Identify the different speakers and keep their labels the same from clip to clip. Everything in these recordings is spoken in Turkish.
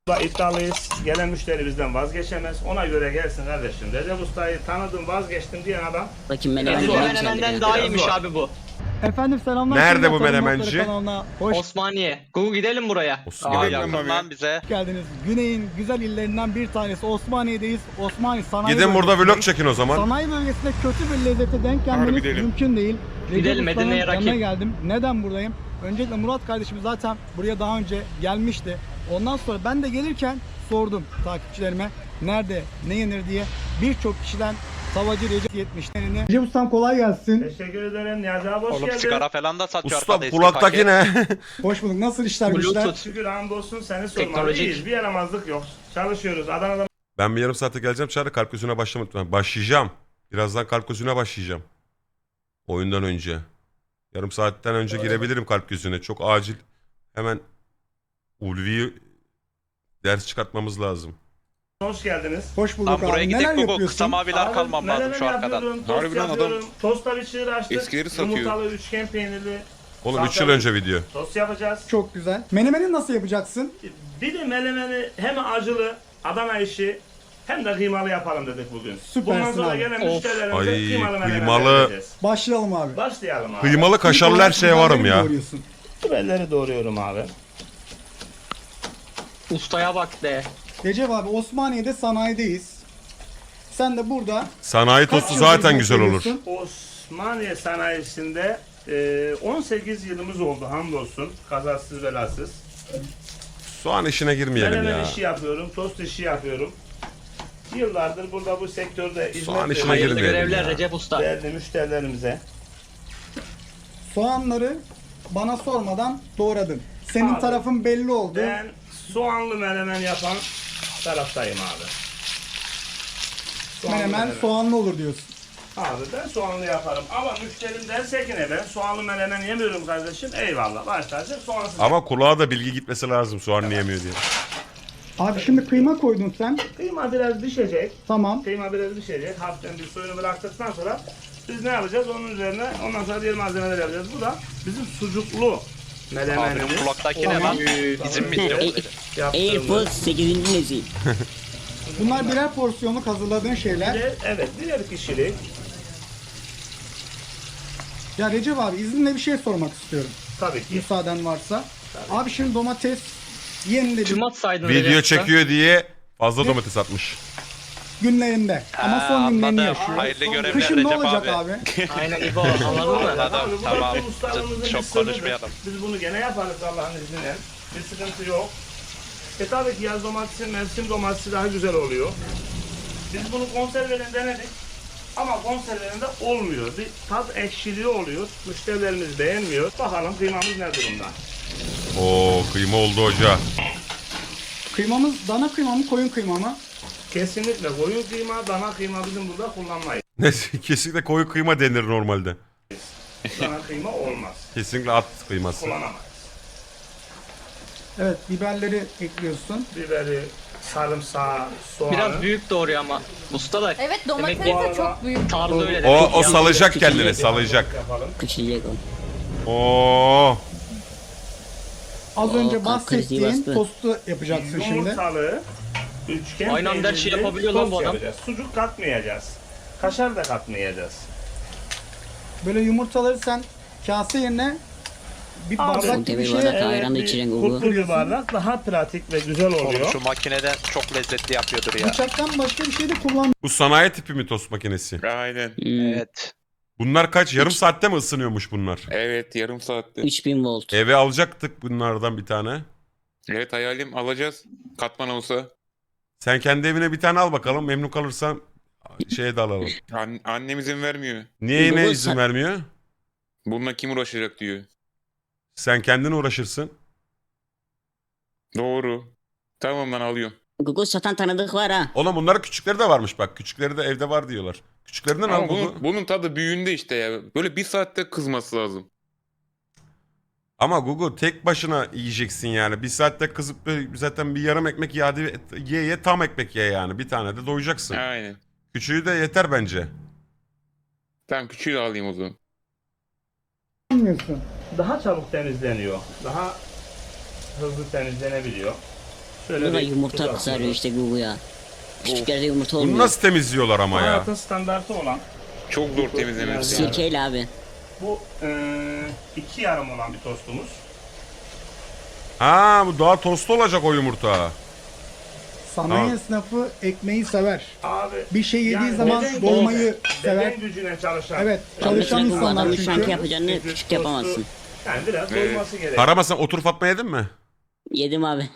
Speaker 1: İddialıyız. Gelen müşteri bizden vazgeçemez. Ona göre gelsin kardeşim. Recep Usta'yı tanıdım, vazgeçtim diyen adam.
Speaker 2: Bakayım
Speaker 3: Menemenden daha iyiymiş abi bu.
Speaker 4: Efendim selamlar.
Speaker 5: Nerede bu
Speaker 4: Tarım
Speaker 5: menemenci?
Speaker 4: Notları kanalına hoş
Speaker 3: Osmaniye. Google gidelim buraya.
Speaker 5: Osmaniye.
Speaker 6: bize.
Speaker 4: geldiniz. Güney'in güzel illerinden bir tanesi Osmaniye'deyiz. Osmaniye Sanayi
Speaker 5: Gidin burada
Speaker 4: Bölgesi'ndeyiz.
Speaker 5: vlog çekin o zaman.
Speaker 4: Sanayi bölgesinde kötü bir lezzete denk gelmeniz
Speaker 6: gidelim.
Speaker 4: mümkün değil.
Speaker 3: Gidelim,
Speaker 4: Recep Usta'nın
Speaker 3: Medine'ye rakip.
Speaker 4: yanına geldim. Neden buradayım? Öncelikle Murat kardeşim zaten buraya daha önce gelmişti. Ondan sonra ben de gelirken sordum takipçilerime nerede ne yenir diye. Birçok kişiden Savacı Recep 70'lerini. Recep Ustam kolay gelsin.
Speaker 1: Teşekkür ederim. Niyazi abi hoş
Speaker 6: Oğlum
Speaker 1: geldin.
Speaker 6: sigara falan da satıyor
Speaker 5: Usta
Speaker 6: arkada, eski
Speaker 5: kulaktaki
Speaker 6: paket.
Speaker 5: ne?
Speaker 4: Hoş bulduk. Nasıl işler güçler?
Speaker 3: Bluetooth.
Speaker 1: Şükür hamdolsun seni sormalı.
Speaker 3: Teknolojik.
Speaker 1: İyiyiz. Bir yaramazlık yok. Çalışıyoruz. Adana'da
Speaker 5: Ben bir yarım saate geleceğim Çağrı, kalp gözüne başlamadım. Başlayacağım. Birazdan kalp gözüne başlayacağım. Oyundan önce. Yarım saatten önce girebilirim kalp gözüne. Çok acil. Hemen Ulvi'yi ders çıkartmamız lazım.
Speaker 1: hoş geldiniz.
Speaker 4: Hoş bulduk
Speaker 6: Lan buraya
Speaker 4: abi. Neler
Speaker 6: gidecek bu
Speaker 4: yapıyorsun?
Speaker 6: kısa maviler
Speaker 1: Abi,
Speaker 6: kalmam lazım
Speaker 1: menemen
Speaker 6: şu arkadan.
Speaker 1: yapıyorum, tost
Speaker 7: Harbiden adam
Speaker 1: yapıyorum. Tosta bir çığır açtık.
Speaker 7: eskileri satıyor.
Speaker 1: Yumurtalı, üçgen peynirli.
Speaker 5: Oğlum 3 yıl
Speaker 1: salçalı
Speaker 5: önce video.
Speaker 1: Tost yapacağız.
Speaker 4: Çok güzel. Menemeni nasıl yapacaksın?
Speaker 1: Bir de menemeni hem acılı, Adana işi hem de kıymalı yapalım dedik bugün.
Speaker 4: Süpersin
Speaker 1: Bundan sonra
Speaker 4: abi.
Speaker 1: gelen
Speaker 3: Of.
Speaker 1: müşterilerimize
Speaker 5: Ay,
Speaker 1: kıymalı menemen
Speaker 5: kıymalı.
Speaker 1: vereceğiz.
Speaker 4: Başlayalım abi.
Speaker 1: Başlayalım abi.
Speaker 5: Kıymalı kaşarlı her şeye varım ya.
Speaker 4: Doğruyorsun.
Speaker 1: Biberleri doğruyorum abi.
Speaker 3: Ustaya bak de.
Speaker 4: Recep abi Osmaniye'de sanayideyiz. Sen de burada
Speaker 5: Sanayi
Speaker 4: kaç
Speaker 5: tostu
Speaker 4: yıldır
Speaker 5: zaten
Speaker 4: hizmet
Speaker 5: güzel olur.
Speaker 4: veriyorsun?
Speaker 1: Osmaniye sanayisinde 18 yılımız oldu hamdolsun. Kazasız belasız.
Speaker 5: Soğan işine girmeyelim
Speaker 1: Menemen
Speaker 5: ya.
Speaker 1: işi yapıyorum, tost işi yapıyorum. Yıllardır burada bu sektörde
Speaker 5: Soğan
Speaker 1: hizmet
Speaker 5: işine
Speaker 3: Hayırlı
Speaker 5: girmeyelim
Speaker 3: görevler
Speaker 5: ya.
Speaker 3: Recep Usta.
Speaker 1: değerli müşterilerimize.
Speaker 4: Soğanları bana sormadan doğradın. Senin
Speaker 1: Abi,
Speaker 4: tarafın belli oldu.
Speaker 1: Ben soğanlı menemen yapan taraftayım abi. Soğanlı
Speaker 4: Menemen soğanlı olur diyorsun.
Speaker 1: Abi ben soğanlı yaparım ama müşterim derse ki ne ben soğanlı menemen yemiyorum kardeşim eyvallah başlarsak soğansız.
Speaker 5: Ama kulağa da bilgi gitmesi lazım soğan yemiyor diye.
Speaker 4: Abi şimdi kıyma koydun sen.
Speaker 1: Kıyma biraz pişecek.
Speaker 4: Tamam.
Speaker 1: Kıyma biraz pişecek. Hafiften bir suyunu bıraktıktan sonra biz ne yapacağız? Onun üzerine ondan sonra diğer malzemeler yapacağız. Bu da bizim sucuklu
Speaker 6: Abi
Speaker 1: menemenimiz.
Speaker 6: kulaktaki ne lan? Bizim mi yok?
Speaker 2: AirPods 8. nesil.
Speaker 4: Bunlar birer porsiyonluk hazırladığın şeyler.
Speaker 1: Evet birer kişilik.
Speaker 4: Ya Recep abi izninle bir şey sormak istiyorum.
Speaker 1: Tabii ki.
Speaker 4: Müsaaden varsa. Abi şimdi domates yeniledim
Speaker 3: Tüm atsaydın
Speaker 5: Video
Speaker 3: Recep Usta.
Speaker 5: çekiyor diye fazla domates atmış.
Speaker 4: günlerinde. Ama son günlerini
Speaker 6: anladım.
Speaker 4: yaşıyor.
Speaker 6: Hayırlı görevler
Speaker 4: Kışın ne
Speaker 6: Recep
Speaker 4: olacak
Speaker 6: abi.
Speaker 4: abi?
Speaker 3: Aynen İbo anladın mı?
Speaker 6: Anladım,
Speaker 1: Abi, bu
Speaker 6: tamam.
Speaker 1: bizim ustalığımızın
Speaker 6: Çok
Speaker 1: bir sırrıdır.
Speaker 6: konuşmayalım.
Speaker 1: Biz bunu gene yaparız Allah'ın izniyle. Bir sıkıntı yok. Tabii ki yaz domatesi, mevsim domatesi daha güzel oluyor. Biz bunu konserveden denedik. Ama konservelerinde olmuyor. Bir tat ekşiliği oluyor. Müşterilerimiz beğenmiyor. Bakalım kıymamız ne durumda?
Speaker 5: Oo kıyma oldu hoca.
Speaker 4: Kıymamız dana kıyma mı koyun kıyma mı?
Speaker 1: Kesinlikle koyun kıyma, dana kıyma bizim burada kullanmayız.
Speaker 5: Neyse kesinlikle koyu kıyma denir normalde.
Speaker 1: Dana kıyma olmaz.
Speaker 5: Kesinlikle at kıyması.
Speaker 1: Kullanamayız.
Speaker 4: Evet biberleri ekliyorsun.
Speaker 1: Biberi, sarımsağı, soğanı.
Speaker 3: Biraz büyük doğruyor ama. Usta da
Speaker 8: Evet domates
Speaker 3: demek
Speaker 8: de çok büyük.
Speaker 3: tarzı öyle de.
Speaker 5: O salacak kendini salacak.
Speaker 1: yapalım.
Speaker 2: Küçülecek o.
Speaker 5: Oo.
Speaker 4: Az önce
Speaker 2: kalp krizi
Speaker 4: bahsettiğin
Speaker 2: bastı.
Speaker 4: tostu yapacaksın şimdi.
Speaker 1: Yumurtalı, üçgen
Speaker 3: Aynı anda her şeyi
Speaker 1: peynirli
Speaker 3: yapabiliyor lan
Speaker 1: tost
Speaker 3: bu adam.
Speaker 1: yapacağız. Sucuk katmayacağız. Kaşar da katmayacağız.
Speaker 4: Böyle yumurtaları sen kase yerine bir
Speaker 1: Abi,
Speaker 4: bardak gibi bir
Speaker 2: bir
Speaker 4: şeye
Speaker 2: bardak ayran da içeceksin Gugu.
Speaker 1: Kurtlu bir bardak daha pratik ve güzel
Speaker 6: Oğlum
Speaker 1: oluyor.
Speaker 6: şu makineden çok lezzetli yapıyordur ya.
Speaker 4: bıçaktan başka bir şey de kullan.
Speaker 5: Bu sanayi tipi mi tost makinesi?
Speaker 7: Aynen.
Speaker 6: Evet.
Speaker 5: Bunlar kaç? Yarım saatte mi ısınıyormuş bunlar?
Speaker 7: Evet yarım saatte.
Speaker 2: 3000 volt.
Speaker 5: Eve alacaktık bunlardan bir tane.
Speaker 7: Evet hayalim alacağız. Katman olsa.
Speaker 5: Sen kendi evine bir tane al bakalım. Memnun kalırsan şeye de alalım.
Speaker 7: Annem izin vermiyor.
Speaker 5: Niye yine
Speaker 2: Google
Speaker 5: izin
Speaker 2: sen-
Speaker 5: vermiyor?
Speaker 7: Bununla kim uğraşacak diyor.
Speaker 5: Sen kendin uğraşırsın.
Speaker 7: Doğru. Tamam lan alıyorum.
Speaker 2: Google satan tanıdık var ha.
Speaker 5: Oğlum bunların küçükleri de varmış bak. Küçükleri de evde var diyorlar. Küçüklerinden al
Speaker 7: Ama
Speaker 5: Google.
Speaker 7: bunun tadı büyüğünde işte ya. Böyle bir saatte kızması lazım.
Speaker 5: Ama Google tek başına yiyeceksin yani. Bir saatte kızıp böyle zaten bir yarım ekmek ye tam ekmek ye yani. Bir tane de doyacaksın.
Speaker 7: Aynen.
Speaker 5: Küçüğü de yeter bence.
Speaker 7: Tamam küçüğü de alayım o zaman.
Speaker 4: Bilmiyorsun.
Speaker 1: Daha çabuk temizleniyor. Daha hızlı temizlenebiliyor. Şöyle
Speaker 2: Bu da
Speaker 1: bir
Speaker 2: yumurta
Speaker 1: tuz
Speaker 2: kızarıyor
Speaker 1: atıyoruz.
Speaker 2: işte Google ya. Küçük yerde yumurta
Speaker 5: Bunu
Speaker 2: olmuyor.
Speaker 5: nasıl temizliyorlar ama ya?
Speaker 1: Hayatın standartı olan
Speaker 7: Çok zor temizlemesi. ya.
Speaker 2: Sirkeyle abi.
Speaker 1: bu 2 yarım olan bir tostumuz.
Speaker 5: Ha bu daha tost olacak o yumurta.
Speaker 4: Sanayi
Speaker 5: Tamam.
Speaker 4: esnafı ekmeği sever.
Speaker 1: Abi
Speaker 4: Bir şey yediği
Speaker 1: yani
Speaker 4: zaman
Speaker 1: beden
Speaker 4: dolmayı
Speaker 1: gücüne,
Speaker 4: sever.
Speaker 1: Beden gücüne çalışan.
Speaker 4: Evet,
Speaker 2: Abi
Speaker 4: çalışan
Speaker 2: sürekli bu
Speaker 4: insanlar
Speaker 2: adamın
Speaker 4: çünkü.
Speaker 2: şanti yapacağını
Speaker 1: Çünkü
Speaker 2: küçük
Speaker 1: tostu-
Speaker 2: yapamazsın.
Speaker 1: Yani biraz doyması gerekiyor.
Speaker 5: Karama sen otur Fatma yedin mi?
Speaker 2: Yedim abi.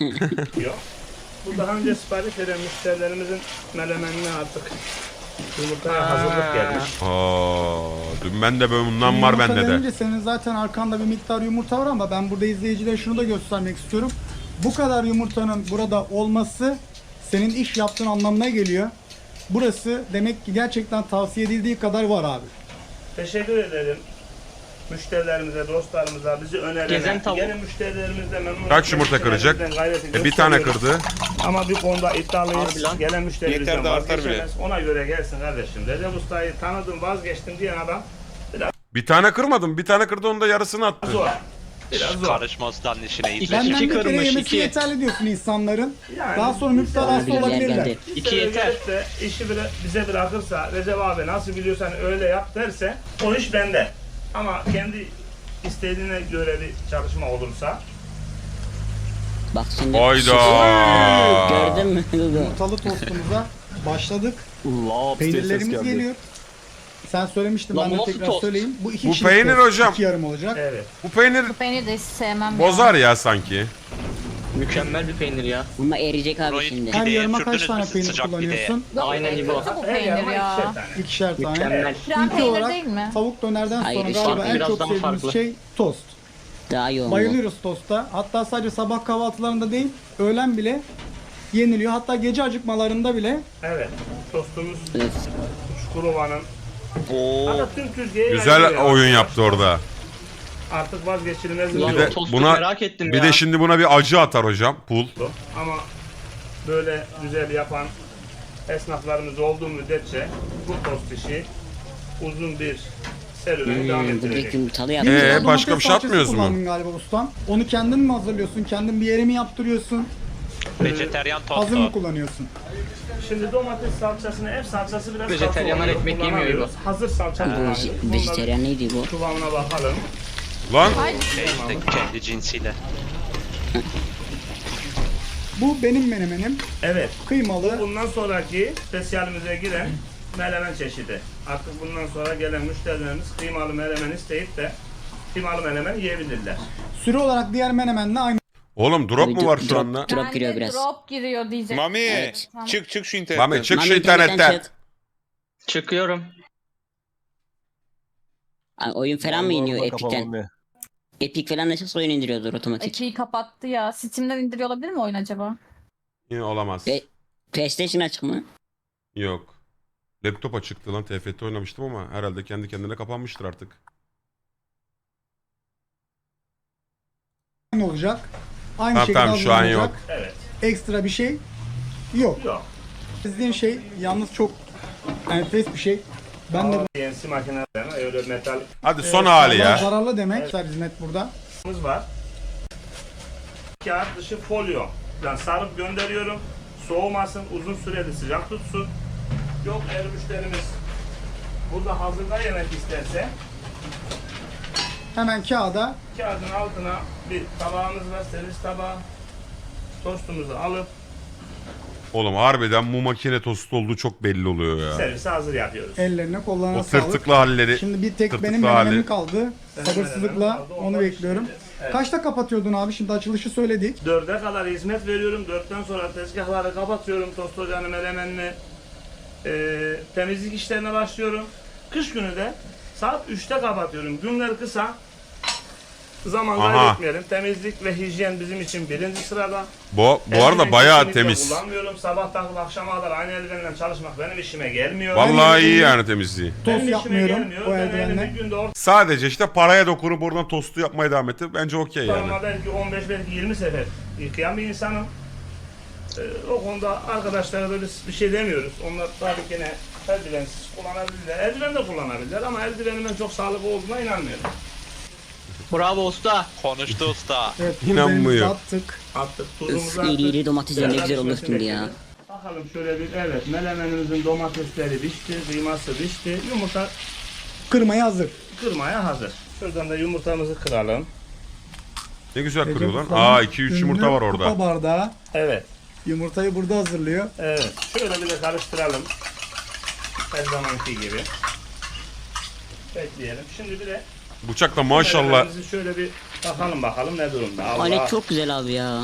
Speaker 1: Bu daha önce sipariş eden müşterilerimizin melemenine artık yumurtaya hazırlık gelmiş.
Speaker 5: Dün ben de böyle bundan var
Speaker 4: Yumurta
Speaker 5: bende de.
Speaker 4: denince senin zaten arkanda bir miktar yumurta var ama ben burada izleyicilere şunu da göstermek istiyorum. Bu kadar yumurtanın burada olması senin iş yaptığın anlamına geliyor. Burası demek ki gerçekten tavsiye edildiği kadar var abi.
Speaker 1: Teşekkür ederim. Müşterilerimize, dostlarımıza, bizi önerene,
Speaker 3: Gezen tavuk.
Speaker 1: yeni müşterilerimizle memnun
Speaker 5: Kaç yumurta kıracak? Bir tane kırdı.
Speaker 1: Ama bir konuda iddialıyız.
Speaker 3: Harbi lan.
Speaker 1: Gelen müşterimizden
Speaker 7: Yeter de artar bile.
Speaker 1: vazgeçemez. Ona göre gelsin kardeşim. Recep Usta'yı tanıdım, vazgeçtim diyen adam
Speaker 5: Bir tane kırmadım. Bir tane kırdı onun da yarısını attı.
Speaker 1: zor. Biraz zor.
Speaker 6: Karışma ustanın işine
Speaker 3: İki-
Speaker 6: izle.
Speaker 4: Benden
Speaker 3: İki
Speaker 4: bir kere
Speaker 3: kırmış,
Speaker 4: yemesi
Speaker 3: iki.
Speaker 4: yeterli diyorsun insanların.
Speaker 1: Yani
Speaker 4: Daha sonra müptelası
Speaker 2: bir yer
Speaker 4: olabilirler.
Speaker 2: geldi.
Speaker 1: Bir
Speaker 3: İki
Speaker 1: sefer
Speaker 3: yeter.
Speaker 1: gelip de işi bize bırakırsa, Recep abi nasıl biliyorsan öyle yap derse o iş bende. Ama kendi istediğine göre bir çalışma olursa
Speaker 2: Bak şimdi.
Speaker 5: Hayda.
Speaker 2: Gördün mü Google?
Speaker 4: Yumurtalı tostumuza başladık.
Speaker 8: Laps diye ses
Speaker 4: Peynirlerimiz
Speaker 8: geldi.
Speaker 4: geliyor. Sen söylemiştin,
Speaker 3: Lan
Speaker 4: ben
Speaker 3: bu
Speaker 4: de
Speaker 3: nasıl
Speaker 4: tekrar
Speaker 3: tost?
Speaker 4: söyleyeyim. Bu iki
Speaker 5: Bu
Speaker 4: kişilik
Speaker 5: peynir
Speaker 4: tost,
Speaker 5: hocam.
Speaker 4: 2 yarım olacak.
Speaker 1: evet.
Speaker 5: Bu peynir
Speaker 9: Peynir de hiç sevmem
Speaker 5: bozar ya sanki.
Speaker 3: Mükemmel bir peynir ya.
Speaker 2: Ama eriyecek abi
Speaker 6: Burayı
Speaker 2: şimdi.
Speaker 4: Her
Speaker 6: Pideye
Speaker 4: yarıma kaç
Speaker 6: sürdünüz
Speaker 4: tane
Speaker 6: mü
Speaker 4: peynir
Speaker 6: sıcak
Speaker 4: kullanıyorsun?
Speaker 3: Aynen gibi o.
Speaker 9: Kötü bu
Speaker 1: Her
Speaker 9: peynir
Speaker 1: yarıma
Speaker 9: ya.
Speaker 1: ikişer tane.
Speaker 4: İkişer tane.
Speaker 3: Mükemmel.
Speaker 9: Krem
Speaker 4: İlk
Speaker 9: peynir
Speaker 4: olarak
Speaker 9: değil mi?
Speaker 4: tavuk dönerden
Speaker 2: Hayır,
Speaker 4: sonra
Speaker 2: işte
Speaker 4: galiba en
Speaker 3: biraz
Speaker 4: çok
Speaker 3: daha
Speaker 4: sevdiğimiz
Speaker 3: farklı.
Speaker 4: şey tost.
Speaker 2: Daha yoğun bu.
Speaker 4: Bayılıyoruz tosta. Hatta sadece sabah kahvaltılarında değil, öğlen bile yeniliyor. Hatta gece acıkmalarında bile.
Speaker 1: Evet. Tostumuz
Speaker 2: Evet.
Speaker 1: Çukurova'nın.
Speaker 7: Oo.
Speaker 1: Hatta tüm Türkiye'ye
Speaker 5: Güzel
Speaker 1: yayılıyor.
Speaker 5: oyun yaptı orada.
Speaker 1: Artık vazgeçilmez bir
Speaker 3: Ulan
Speaker 5: Bir
Speaker 1: yol
Speaker 5: de
Speaker 3: tostu
Speaker 5: buna
Speaker 3: merak ettim
Speaker 5: bir
Speaker 3: ya.
Speaker 5: de şimdi buna bir acı atar hocam. Pul.
Speaker 1: oldu. Ama böyle güzel yapan esnaflarımız olduğu müddetçe bu tost işi uzun bir serüveni devam
Speaker 2: Direkt
Speaker 1: ettirecek.
Speaker 2: yumurtalı
Speaker 4: Bir
Speaker 2: yaptı.
Speaker 4: de
Speaker 5: başka
Speaker 4: domates
Speaker 5: bir şey
Speaker 4: salçası
Speaker 5: atmıyoruz mu?
Speaker 4: kullandın galiba ustam. Onu kendin mi hazırlıyorsun? Kendin bir yere mi yaptırıyorsun?
Speaker 6: Vejeteryan
Speaker 4: Hazır mı
Speaker 6: tostu.
Speaker 4: kullanıyorsun?
Speaker 1: Şimdi domates salçasını, ev salçası biraz
Speaker 3: Vejeteryanlar
Speaker 1: katı oluyor,
Speaker 3: ekmek yemiyor
Speaker 1: kullanamıyoruz. Hazır salça kullanıyoruz.
Speaker 2: Vejeteryan neydi bu?
Speaker 1: Bunların kıvamına bakalım.
Speaker 5: Lan
Speaker 6: Şey işte kendi cinsiyle.
Speaker 4: Bu benim menemenim.
Speaker 1: Evet.
Speaker 4: Kıymalı.
Speaker 1: Bundan sonraki spesiyalimize giren menemen çeşidi. Artık bundan sonra gelen müşterilerimiz kıymalı menemen isteyip de kıymalı menemen yiyebilirler.
Speaker 4: Süre olarak diğer menemenle aynı.
Speaker 5: oğlum drop mu var şu
Speaker 2: Drop-
Speaker 5: anda?
Speaker 2: Drop
Speaker 9: Ben
Speaker 2: giriyor
Speaker 9: de
Speaker 2: biraz.
Speaker 9: Drop giriyor diyecek.
Speaker 7: Mami
Speaker 2: Evet.
Speaker 7: çık şu internetten.
Speaker 5: Mami çık
Speaker 2: Mami
Speaker 5: şu internetten.
Speaker 2: çık.
Speaker 3: Çıkıyorum.
Speaker 2: Ay, oyun falan mı iniyor
Speaker 8: Allah'ım,
Speaker 2: Epic'ten?
Speaker 8: kapamam ya.
Speaker 2: Epic falan nasıl oyun indiriyordur otomatik.
Speaker 9: Epic'i kapattı ya. Steam'den indiriyor olabilir mi oyun acaba?
Speaker 5: Yine olamaz.
Speaker 2: Ve PlayStation açık mı?
Speaker 5: Yok. Laptop açıktı lan. TFT oynamıştım ama herhalde kendi kendine kapanmıştır artık.
Speaker 4: olacak. Aynı
Speaker 5: Tamam,
Speaker 4: şekilde
Speaker 5: tamam, şu an
Speaker 4: hazırlanacak.
Speaker 5: yok.
Speaker 1: Evet.
Speaker 4: Ekstra bir şey yok.
Speaker 1: Yok.
Speaker 4: İzlediğin şey yalnız çok enfes bir şey. Ben de
Speaker 1: CNC makinelerine öyle metal
Speaker 5: Hadi son hali ya.
Speaker 4: zararlı demek. Hizmet burada.
Speaker 1: var. Kağıt dışı folyo. Yani sarıp gönderiyorum. Soğumasın, uzun süreli sıcak tutsun. Yok eğer müşterimiz burada hazırda yemek isterse
Speaker 4: Hemen kağıda
Speaker 1: kağıdın altına bir tabağımız var, servis tabağı. Tostumuzu alıp
Speaker 5: Oğlum harbiden bu makine tost olduğu çok belli oluyor ya.
Speaker 1: servise hazır yapıyoruz.
Speaker 4: ellerine kollarına
Speaker 5: O
Speaker 4: sağlık.
Speaker 5: tırtıklı halleri.
Speaker 4: Şimdi bir tek
Speaker 5: tırtıklı
Speaker 4: benim
Speaker 5: hali.
Speaker 4: menemenim kaldı. Sabırsızlıkla
Speaker 1: menemenim kaldı,
Speaker 4: onu
Speaker 1: ondan
Speaker 4: bekliyorum.
Speaker 1: pişireceğiz. Evet.
Speaker 4: Kaçta kapatıyordun abi? Şimdi açılışı söyledik.
Speaker 1: 4'e kadar hizmet veriyorum. 4'ten sonra tezgahları kapatıyorum. Tost ocağını, melemenini, temizlik işlerine başlıyorum. Kış günü de saat 3'te kapatıyorum. Günler kısa. Zaman
Speaker 5: Aha.
Speaker 1: kaybetmeyelim. Temizlik ve hijyen bizim için birinci sırada.
Speaker 5: Bu arada
Speaker 1: Eldiven
Speaker 5: bayağı
Speaker 1: kesinlikle
Speaker 5: temiz.
Speaker 1: kullanmıyorum. Sabahtan akşama kadar aynı eldivenle çalışmak benim işime gelmiyor.
Speaker 5: Vallahi iyi yani temizliği.
Speaker 1: Benim
Speaker 4: Tost
Speaker 1: işime
Speaker 4: yapmıyorum
Speaker 1: gelmiyor.
Speaker 4: o
Speaker 1: Ben
Speaker 4: eldivenle.
Speaker 1: elimi bir günde
Speaker 5: Sadece işte paraya dokunup oradan tostu yapmaya devam etti. Bence okey yani.
Speaker 1: ortalama belki 15 belki 20 sefer yıkayan bir insanım. O konuda arkadaşlara da biz bir şey demiyoruz. Onlar tabii ki ne eldivensiz kullanabilirler. Eldiven de kullanabilirler ama eldivenin ben çok sağlıklı olduğuna inanmıyorum.
Speaker 3: Bravo usta.
Speaker 6: Konuştu usta.
Speaker 4: Evet,
Speaker 5: İnanmıyor.
Speaker 4: biberimizi attık.
Speaker 1: Attık,
Speaker 2: Öf,
Speaker 1: tuzumuzu
Speaker 2: iri iri
Speaker 1: attık.
Speaker 2: domatesler ne
Speaker 1: Biraz
Speaker 2: güzel olur
Speaker 1: pişmesini
Speaker 2: şimdi ya.
Speaker 1: bekledik. Bakalım şöyle bir, evet, melemenimizin domatesleri pişti, kıyması pişti. Yumurta
Speaker 4: Kırmaya hazır.
Speaker 1: kırmaya hazır. Şuradan da yumurtamızı kıralım.
Speaker 5: Ne güzel
Speaker 4: Recep
Speaker 5: kırıyor lan.
Speaker 4: Usta'nın
Speaker 5: Aa 2-3 yumurta
Speaker 4: ünlü
Speaker 5: var orada.
Speaker 4: Kupa bardağı.
Speaker 1: Evet,
Speaker 4: Yumurtayı burada hazırlıyor.
Speaker 1: evet. Şöyle bir de karıştıralım. Her zamanki gibi. Bekleyelim. Şimdi bir de
Speaker 5: Bıçakla maşallah.
Speaker 1: melemenimizi şöyle bir bakalım ne durumda. Allah.
Speaker 2: Alet çok güzel abi ya.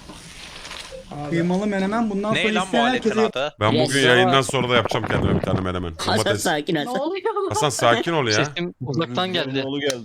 Speaker 4: Kıymalı menemen bundan
Speaker 6: Ne
Speaker 4: sonra
Speaker 6: lan bu
Speaker 4: isteyen
Speaker 6: aletin
Speaker 4: herkese
Speaker 6: adı?
Speaker 5: Ben
Speaker 2: Yes.
Speaker 5: bugün yayından sonra da yapacağım kendime bir tane menemen.
Speaker 2: Hasan
Speaker 5: Domates.
Speaker 2: sakin
Speaker 9: Ne
Speaker 2: Hasan.
Speaker 9: oluyor lan?
Speaker 5: Hasan sakin ol ya.
Speaker 3: Sesim uzaktan geldi.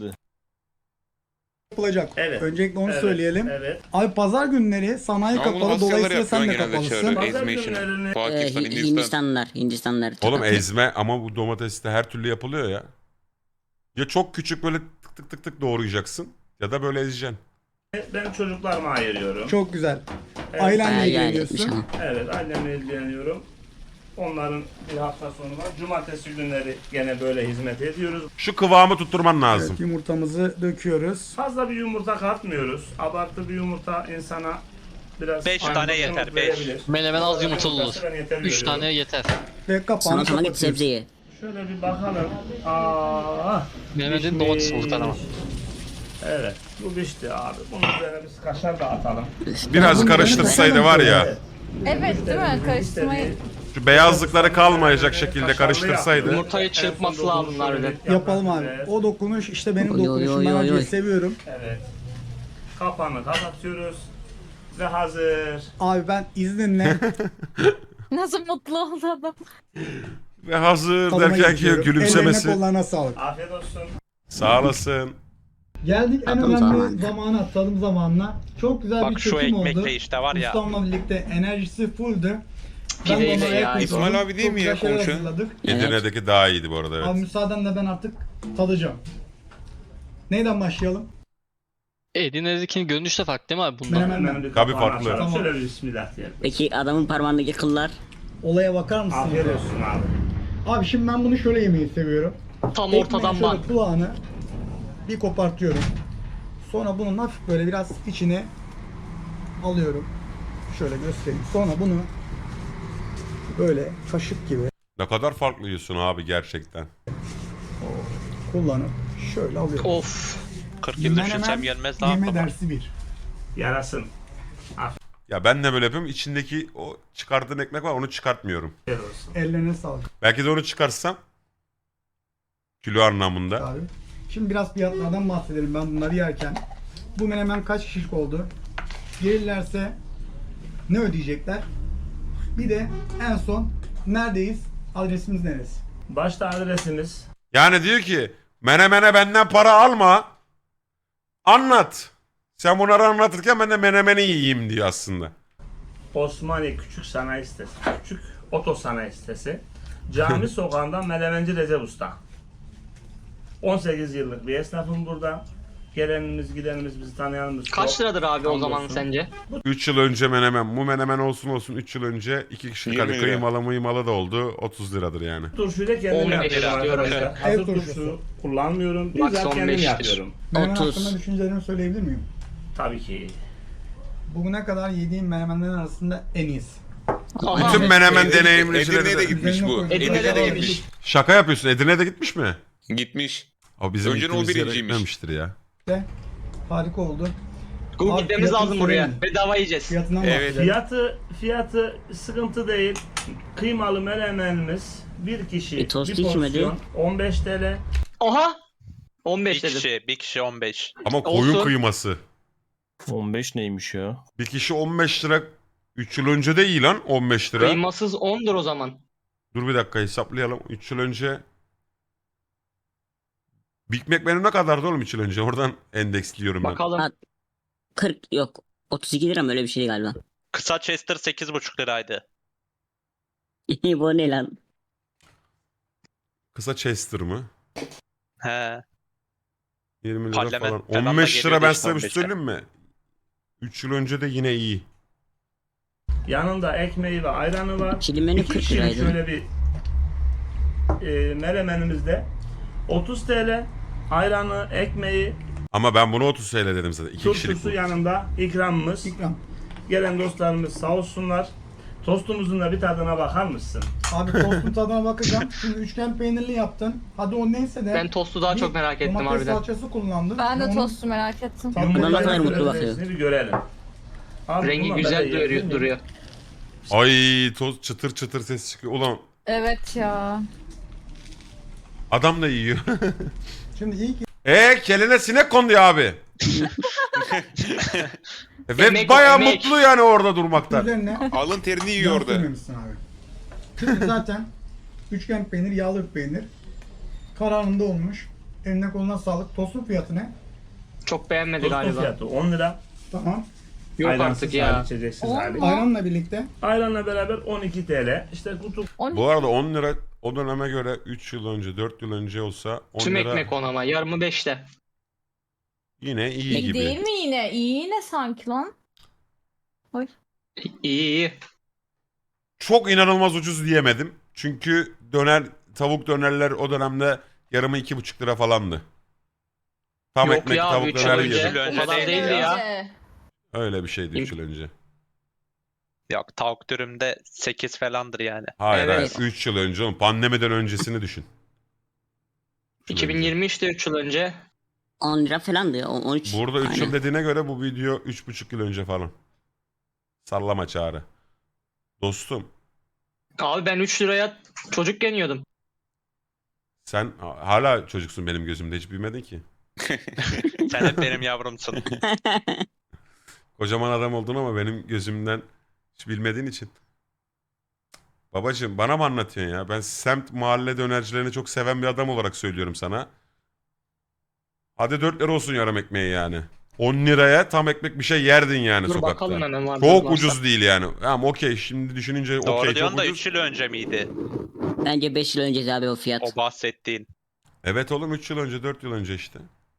Speaker 4: yapılacak.
Speaker 1: Evet.
Speaker 4: Öncelikle onu
Speaker 1: Evet,
Speaker 4: söyleyelim.
Speaker 1: Evet.
Speaker 4: Abi pazar günleri sanayi
Speaker 7: Ama bunu
Speaker 4: kapalı,
Speaker 7: Asyalılar
Speaker 4: dolayısıyla
Speaker 7: yapıyor
Speaker 4: sen de
Speaker 7: genelde
Speaker 4: kapalısın.
Speaker 7: çağırıyor.
Speaker 1: Pazar
Speaker 7: Ezme işini.
Speaker 1: günlerini-
Speaker 7: Pakistan, Hindistan.
Speaker 2: Hindistanlar.
Speaker 5: Oğlum
Speaker 2: Tabii.
Speaker 5: ezme ama bu domates de her türlü yapılıyor ya. Ya çok küçük böyle tık tık tık tık doğrayacaksın ya da böyle ezeceksin.
Speaker 1: Ben çocuklarıma ayırıyorum.
Speaker 4: Çok güzel.
Speaker 1: Evet.
Speaker 4: Ailenle
Speaker 2: Bayağı iyi etmiş
Speaker 4: ilgileniyorsun.
Speaker 2: ama.
Speaker 1: Evet, annemle ilgileniyorum. Onların bir hafta sonu var. Cumartesi günleri gene böyle hizmet ediyoruz.
Speaker 5: Şu kıvamı tutturman lazım.
Speaker 4: Evet, yumurtamızı döküyoruz.
Speaker 1: Fazla bir yumurta katmıyoruz. Abartı bir yumurta insana biraz...
Speaker 6: 5 tane
Speaker 1: Ayranlık
Speaker 6: yeter, beş.
Speaker 1: verebilir.
Speaker 3: Menemen az yumurtalı olur.
Speaker 1: Yumurtası ben yeter
Speaker 3: 3
Speaker 1: görüyorum.
Speaker 3: tane yeter.
Speaker 4: Ve
Speaker 2: Sana
Speaker 4: kapağını
Speaker 2: sana git
Speaker 4: kapatıyoruz.
Speaker 2: sebzeyi.
Speaker 1: Şöyle bir bakalım. Aa,
Speaker 3: Menemenin domates olur ama.
Speaker 1: Evet, bu pişti abi. Bunun üzerine biz kaşar da atalım.
Speaker 5: Biraz karıştırsaydı var ya.
Speaker 9: Evet değil mi? Karıştırmayı.
Speaker 5: Şu beyazlıkları kalmayacak şekilde karıştırsaydı.
Speaker 3: Yumurtayı çırpması lazım harbiden.
Speaker 4: Yapalım abi. O dokunuş işte benim
Speaker 2: Oy, oy,
Speaker 4: dokunuşum.
Speaker 2: oy,
Speaker 4: Ben
Speaker 2: oy,
Speaker 4: acıyı
Speaker 2: oy.
Speaker 4: seviyorum.
Speaker 1: Evet. Kapağını kapatıyoruz. Ve hazır.
Speaker 4: Abi ben izninle
Speaker 9: Nasıl mutlu oldu adam.
Speaker 5: Ve hazır
Speaker 4: tadıma
Speaker 5: derken ki
Speaker 4: geçiyorum.
Speaker 5: gülümsemesi.
Speaker 4: Ellerine kollarına sağlık.
Speaker 1: Afiyet olsun.
Speaker 5: Sağ olasın.
Speaker 4: Geldik en
Speaker 2: Tadım
Speaker 4: önemli
Speaker 2: zamanı.
Speaker 4: zamana, tadım zamanına. Çok güzel bir
Speaker 6: Bak şu
Speaker 4: çekim oldu.
Speaker 6: ekmekle işte var ya.
Speaker 4: Ustamla birlikte enerjisi fulldü. Ben de
Speaker 3: Pideyle
Speaker 4: ona
Speaker 3: ya.
Speaker 4: ayak uydurdum.
Speaker 7: İsmail abi değil
Speaker 4: Çok
Speaker 7: mi ya
Speaker 4: güzel şeyler
Speaker 7: konuşan?
Speaker 4: hazırladık.
Speaker 5: Edirne'deki daha iyiydi bu arada
Speaker 4: Abi
Speaker 5: evet.
Speaker 4: müsaadenle ben artık tadacağım. Neyden başlayalım?
Speaker 3: Edirne'dekinin görünüşü de farklı değil mi abi bundan?
Speaker 4: Menemen.
Speaker 1: Hemen bir
Speaker 5: Tabii
Speaker 1: kapağını
Speaker 5: farklı.
Speaker 1: açalım.
Speaker 4: Tamam.
Speaker 1: Şöyle bir bismillah diyelim.
Speaker 2: Peki adamın parmağındaki kıllar.
Speaker 4: Olaya bakar mısın?
Speaker 1: Afiyet olsun abi.
Speaker 4: Abi şimdi ben bunu şöyle yemeyi seviyorum.
Speaker 3: Tam
Speaker 4: Ekmeğin
Speaker 3: ortadan
Speaker 4: şöyle
Speaker 3: bak.
Speaker 4: kulağını bir kopartıyorum. Sonra bunun hafif böyle biraz içine alıyorum. Şöyle göstereyim. Sonra bunu böyle kaşık gibi
Speaker 5: Ne kadar farklı yiyorsun abi gerçekten.
Speaker 4: kullanıp şöyle alıyorum.
Speaker 3: Of.
Speaker 6: 40 yıl düşünsem
Speaker 4: Menemen
Speaker 6: gelmez daha
Speaker 4: yeme
Speaker 6: fazla.
Speaker 4: dersi bir.
Speaker 1: Yarasın.
Speaker 5: Ya ben de böyle yapıyorum. İçindeki o çıkardığın ekmek var onu çıkartmıyorum.
Speaker 1: Afiyet olsun.
Speaker 4: Ellerine sağlık
Speaker 5: Belki de onu çıkarsam kilo anlamında.
Speaker 4: abi. Şimdi biraz fiyatlardan bahsedelim ben bunları yerken. Bu menemen kaç kişilik oldu? Gelirlerse ne ödeyecekler? Bir de en son neredeyiz? Adresimiz neresi?
Speaker 1: Başta adresimiz
Speaker 5: Yani diyor ki menemene benden para alma. Anlat. Sen bunları anlatırken ben de menemeni yiyeyim diyor aslında.
Speaker 1: Osmaniye Küçük Sanayi Sitesi. Küçük Oto Sanayi Sitesi. Cami Sokağı'ndan Melemenci Recep Usta. 18 yıllık bir esnafım burada. Gelenimiz gidenimiz bizi tanıyanımız
Speaker 3: Kaç
Speaker 1: çok.
Speaker 3: liradır abi o zaman
Speaker 1: Hamdolsun.
Speaker 3: sence?
Speaker 5: 3 yıl önce menemen. Bu menemen olsun 3 yıl önce 2 kişilik
Speaker 7: 20
Speaker 5: hani
Speaker 7: lira.
Speaker 5: kıymalı da oldu. 30 liradır yani.
Speaker 1: Turşuyu da kendim
Speaker 3: 15
Speaker 1: yapıyorum
Speaker 3: lira.
Speaker 1: arkadaşlar.
Speaker 4: Ev
Speaker 1: Hazır
Speaker 4: turşusu.
Speaker 1: turşu kullanmıyorum.
Speaker 3: Max
Speaker 1: Bizzat kendim
Speaker 3: 15'tir.
Speaker 1: yapıyorum.
Speaker 4: Menemen
Speaker 2: 30.
Speaker 4: hakkında düşüncelerimi söyleyebilir miyim?
Speaker 1: Tabii ki.
Speaker 4: Bugüne kadar yediğim menemenlerin arasında en iyisi.
Speaker 3: Aha.
Speaker 5: Bütün menemen
Speaker 7: Edirne-
Speaker 5: deneyimlicileri
Speaker 7: Edirne'ye de
Speaker 5: de...
Speaker 7: gitmiş
Speaker 4: Üzerine
Speaker 7: bu.
Speaker 4: koydum.
Speaker 3: Edirne'de de
Speaker 7: Edirne'ye
Speaker 3: gitmiş.
Speaker 7: gitmiş.
Speaker 5: Şaka yapıyorsun. Edirne'de gitmiş mi?
Speaker 7: Gitmiş.
Speaker 5: Abi bizim
Speaker 7: Önceden o
Speaker 5: gittiğimiz yere
Speaker 7: birinciymiş.
Speaker 5: gitmemiştir ya.
Speaker 4: De harika oldu.
Speaker 3: Google
Speaker 4: Abi
Speaker 3: gitmemiz
Speaker 4: fiyatını
Speaker 3: lazım buraya.
Speaker 4: söyleyin.
Speaker 3: Bedava yiyeceğiz.
Speaker 4: Fiyatından
Speaker 7: Evet.
Speaker 4: bahsedelim.
Speaker 1: Fiyatı sıkıntı değil. Kıymalı melemenimiz bir kişi
Speaker 2: tost
Speaker 1: bir
Speaker 2: içmedi.
Speaker 1: porsiyon 15 TL.
Speaker 3: Oha.
Speaker 6: Bir
Speaker 3: 15 dedim.
Speaker 6: bir kişi 15.
Speaker 5: Ama koyun
Speaker 3: Olsun.
Speaker 5: kıyması.
Speaker 8: 15 neymiş ya?
Speaker 5: Bir kişi 15 lira. 3 yıl önce de iyi lan 15 lira.
Speaker 3: Kıymasız 10'dur o zaman.
Speaker 5: Dur bir dakika hesaplayalım. 3 yıl önce Big Mac menü ne kadardı oğlum 3 yıl önce? Oradan endeksliyorum ben.
Speaker 3: Bakalım.
Speaker 2: Ha, 40 yok. 32 lira mı öyle bir şey galiba.
Speaker 6: Kısa Chester 8,5 liraydı.
Speaker 2: Bu ne lan?
Speaker 5: Kısa Chester mı?
Speaker 6: He.
Speaker 5: 20 lira
Speaker 6: Parlament
Speaker 5: falan.
Speaker 6: falan da
Speaker 5: 15 lira
Speaker 6: geliyordu
Speaker 5: ben
Speaker 6: işte
Speaker 5: size bir
Speaker 6: 15'e.
Speaker 5: söyleyeyim mi? 3 yıl önce de yine iyi.
Speaker 1: Yanında ekmeği ve ayranı var.
Speaker 2: Çili menü
Speaker 1: İki
Speaker 2: 40
Speaker 1: kişilik
Speaker 2: liraydı.
Speaker 1: şöyle bir melemenimizde 30 TL. Ayranı, ekmeği
Speaker 5: Ama ben bunu 30 TL dedim zaten. 2 kişilik
Speaker 1: Turşusu
Speaker 5: bu.
Speaker 1: yanında ikramımız.
Speaker 4: İkram.
Speaker 1: Gelen dostlarımız sağ olsunlar. Tostumuzun da bir tadına bakar mısın?
Speaker 4: Abi tostun tadına bakacağım. Şimdi üçgen peynirli yaptın. Hadi o neyse de.
Speaker 3: Ben tostu daha
Speaker 4: bir
Speaker 3: çok merak ettim
Speaker 4: domates
Speaker 3: harbiden.
Speaker 4: salçası kullandın.
Speaker 9: Ben de
Speaker 4: Onun
Speaker 9: tostu merak ettim.
Speaker 4: tadı
Speaker 1: Yumurtayla
Speaker 2: ne kadar mutlu
Speaker 1: beraber
Speaker 2: bakıyor.
Speaker 1: hepsini bir görelim. Abi
Speaker 3: Rengi
Speaker 1: bunlar
Speaker 3: güzel
Speaker 1: böyle
Speaker 3: duruyor.
Speaker 1: yiyebilir
Speaker 3: duruyor.
Speaker 5: Ay toz çıtır çıtır ses çıkıyor. Ulan
Speaker 9: Evet ya.
Speaker 5: adam da yiyor.
Speaker 4: Şimdi iyi ki
Speaker 5: Keline sinek kondu ya abi. Ve
Speaker 3: Emek o,
Speaker 5: bayağı
Speaker 3: emek.
Speaker 5: mutlu yani orada durmaktan.
Speaker 4: üzerine
Speaker 7: Alın terini yiyor
Speaker 4: yağ
Speaker 7: orada.
Speaker 4: sürmemişsin abi. Çünkü zaten üçgen peynir, yağlı bir peynir. Kararında olmuş. Eline koluna sağlık. Tostun fiyatı ne?
Speaker 3: Çok beğenmedi
Speaker 1: Tostun
Speaker 3: galiba.
Speaker 1: fiyatı 10 lira.
Speaker 4: Tamam.
Speaker 3: Yok
Speaker 1: Ayransız
Speaker 3: artık ya.
Speaker 1: hali, içeceksiz
Speaker 9: On
Speaker 1: hali.
Speaker 9: mu?
Speaker 4: Ayranla birlikte.
Speaker 1: Ayranla beraber 12 TL. İşte kutu
Speaker 9: 12.
Speaker 5: Bu arada 10 lira o döneme göre 3 yıl önce 4 yıl önce olsa 10
Speaker 3: Tüm
Speaker 5: lira
Speaker 3: ekmek 10 ama. Yarımı 5'te.
Speaker 5: yine iyi
Speaker 9: İyi
Speaker 5: gibi.
Speaker 9: değil mi yine? İyi yine sanki lan.
Speaker 3: İyi iyi.
Speaker 5: Çok inanılmaz ucuz diyemedim. Çünkü tavuk dönerler o dönemde yarımı 2,5 lira falandı. Tam
Speaker 3: Yok
Speaker 5: ekmek
Speaker 3: ya,
Speaker 5: tavuk
Speaker 3: 3 yıl
Speaker 5: döner
Speaker 3: önce.
Speaker 5: yedim.
Speaker 3: O kadar değildi ya.
Speaker 5: Öyle bir şeydi 3 yıl önce.
Speaker 6: Yok tavuk dürümde 8 falandır yani.
Speaker 5: Hayır
Speaker 3: Evet.
Speaker 5: hayır 3 yıl önce oğlum. Pandemiden öncesini düşün.
Speaker 3: 2020 işte 3 yıl önce.
Speaker 2: 10 lira falandı ya. 13.
Speaker 5: Burada 3 yıl
Speaker 2: Aynen.
Speaker 5: dediğine göre bu video 3,5 yıl önce falan. Sallama çağrı. Dostum
Speaker 3: Abi ben 3 liraya çocukken yiyordum.
Speaker 5: sen hala çocuksun benim gözümde hiç büyümedin ki.
Speaker 6: Sen hep benim yavrumsun.
Speaker 5: Kocaman adam oldun ama benim gözümden hiç bilmediğin için. Babacığım bana mı anlatıyorsun ya? Ben semt mahalle dönercilerini çok seven bir adam olarak söylüyorum sana. Hadi 4 lira olsun yarım ekmeği yani. 10 liraya tam ekmek bir şey yerdin yani
Speaker 3: Dur
Speaker 5: sokakta.
Speaker 3: bakalım hemen var.
Speaker 5: Çok ucuz değil yani. Tamam okey şimdi düşününce
Speaker 6: Doğru
Speaker 5: okey çok
Speaker 6: diyorsun da
Speaker 5: ucuz.
Speaker 6: 3 yıl önce miydi
Speaker 2: Bence 5 yıl önce abi o fiyat.
Speaker 6: o bahsettiğin?
Speaker 5: Evet oğlum 3 yıl önce 4 yıl önce işte.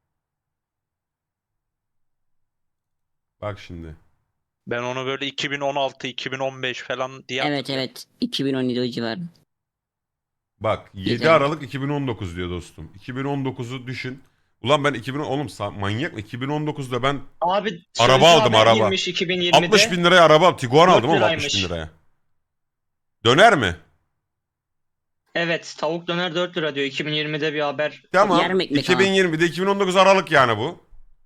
Speaker 5: Bak şimdi.
Speaker 6: Ben onu böyle 2016, 2015 falan diye
Speaker 2: Evet
Speaker 6: hatırlıyorum.
Speaker 2: evet. 2017 o civarı.
Speaker 5: Bak 7
Speaker 2: Güzel.
Speaker 5: Aralık 2019 diyor dostum. 2019'u düşün. Ulan ben 2010 oğlum manyak mı? 2019'da ben
Speaker 3: Abi
Speaker 5: Araba
Speaker 3: sözlü
Speaker 5: aldım,
Speaker 3: haber
Speaker 5: araba.
Speaker 3: girmiş 2020'de.
Speaker 5: 60 bin liraya araba aldım. Tiguan
Speaker 3: 4
Speaker 5: aldım ama 60 bin
Speaker 3: liraymış.
Speaker 5: liraya. Döner mi?
Speaker 3: Evet tavuk döner 4 lira diyor. 2020'de bir haber.
Speaker 5: Tamam.
Speaker 2: Yarım ekmek ama.
Speaker 5: 2020'de 2019 Aralık yani bu.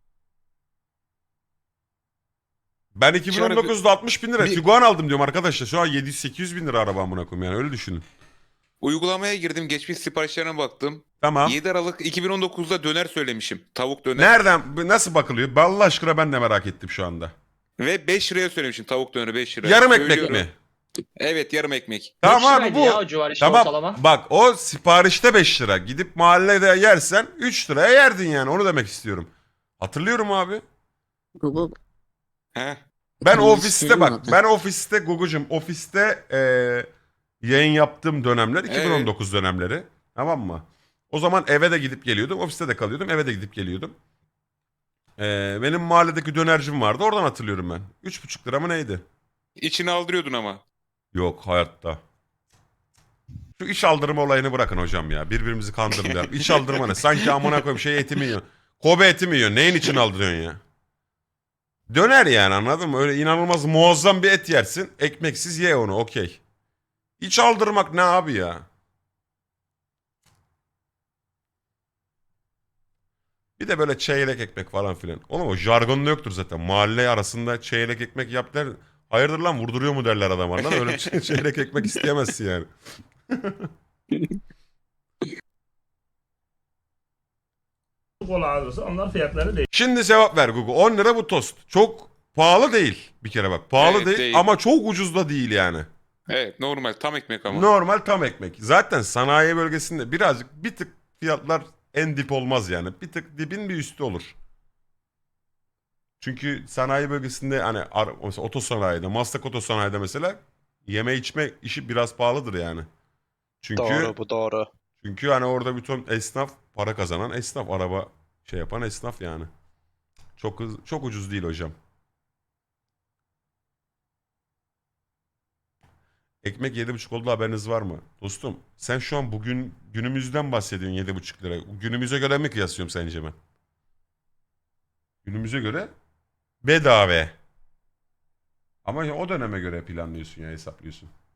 Speaker 5: Ben 2019'da 60 bin lira
Speaker 7: Bir-
Speaker 5: Tiguan aldım diyorum arkadaşlar. Şu an 700-800 bin lira araba amına koyayım yani öyle düşünün.
Speaker 7: Uygulamaya girdim, geçmiş siparişlerine baktım.
Speaker 5: Tamam.
Speaker 7: 7 Aralık 2019'da döner söylemişim. Tavuk döner.
Speaker 5: Nereden nasıl bakılıyor? Allah aşkına ben de merak ettim şu anda.
Speaker 7: Ve 5 liraya söylemişim tavuk döneri 5 lira.
Speaker 5: Yarım ekmek
Speaker 7: Söylüyorum.
Speaker 5: mi?
Speaker 7: Evet yarım ekmek.
Speaker 5: Tamam
Speaker 3: 5
Speaker 5: abi
Speaker 3: liraydı
Speaker 5: bu.
Speaker 3: ya o civar işte
Speaker 5: Tamam
Speaker 3: ortalama.
Speaker 5: bak o siparişte 5 lira. Gidip mahallede yersen 3 liraya yerdin yani onu demek istiyorum. Hatırlıyorum abi.
Speaker 2: Google.
Speaker 7: He.
Speaker 5: Ben
Speaker 2: Tamam,
Speaker 5: ofiste
Speaker 2: istedim
Speaker 5: bak
Speaker 2: zaten.
Speaker 5: ben ofiste Gugucuğum ofiste yayın yaptığım dönemler 2019 dönemleri tamam mı? O zaman eve de gidip geliyordum ofiste de kalıyordum eve de gidip geliyordum. Benim mahalledeki dönercim vardı oradan hatırlıyorum ben. 3,5 lira mı neydi?
Speaker 7: İçine aldırıyordun ama.
Speaker 5: Yok hayatta. Şu iş aldırma olayını bırakın hocam ya. Birbirimizi kandırmayalım. İş aldırma ne? Sanki amına koyayım şey eti mi yiyor? Kobe eti mi yiyor? Neyin için aldırıyorsun ya? Döner yani anladın mı? Öyle inanılmaz muazzam bir et yersin. Ekmeksiz ye onu okey. İç aldırmak ne abi ya? Bir de böyle çeyrek ekmek falan filan. Oğlum o jargonda yoktur zaten. Mahalle arasında çeyrek ekmek yap der. Hayırdır lan vurduruyor mu derler adam anladın mı? Öyle çeyrek ekmek isteyemezsin yani.
Speaker 1: kola alırsa onlar fiyatları değil.
Speaker 5: Şimdi cevap ver Google. 10 lira bu tost. Çok pahalı değil bir kere bak. Pahalı
Speaker 7: Evet,
Speaker 5: değil,
Speaker 7: değil.
Speaker 5: ama çok ucuz da değil yani.
Speaker 7: Evet normal tam ekmek ama.
Speaker 5: Normal tam ekmek. Zaten sanayi bölgesinde birazcık bir tık fiyatlar en dip olmaz yani. Bir tık dibin bir üstü olur. Çünkü sanayi bölgesinde hani mesela otosanayide, Maslak otosanayide mesela yeme içme işi biraz pahalıdır yani. Çünkü
Speaker 6: Doğru bu doğru.
Speaker 5: çünkü hani orada bütün esnaf para kazanan esnaf, araba şey yapan esnaf yani. Çok ucuz değil hocam. Ekmek 7,5 oldu haberiniz var mı? Dostum sen şu an bugün günümüzden bahsediyorsun 7,5 lira. Günümüze göre mi kıyaslıyorum sence ben? Günümüze göre bedava. Ama o döneme göre planlıyorsun ya, hesaplıyorsun.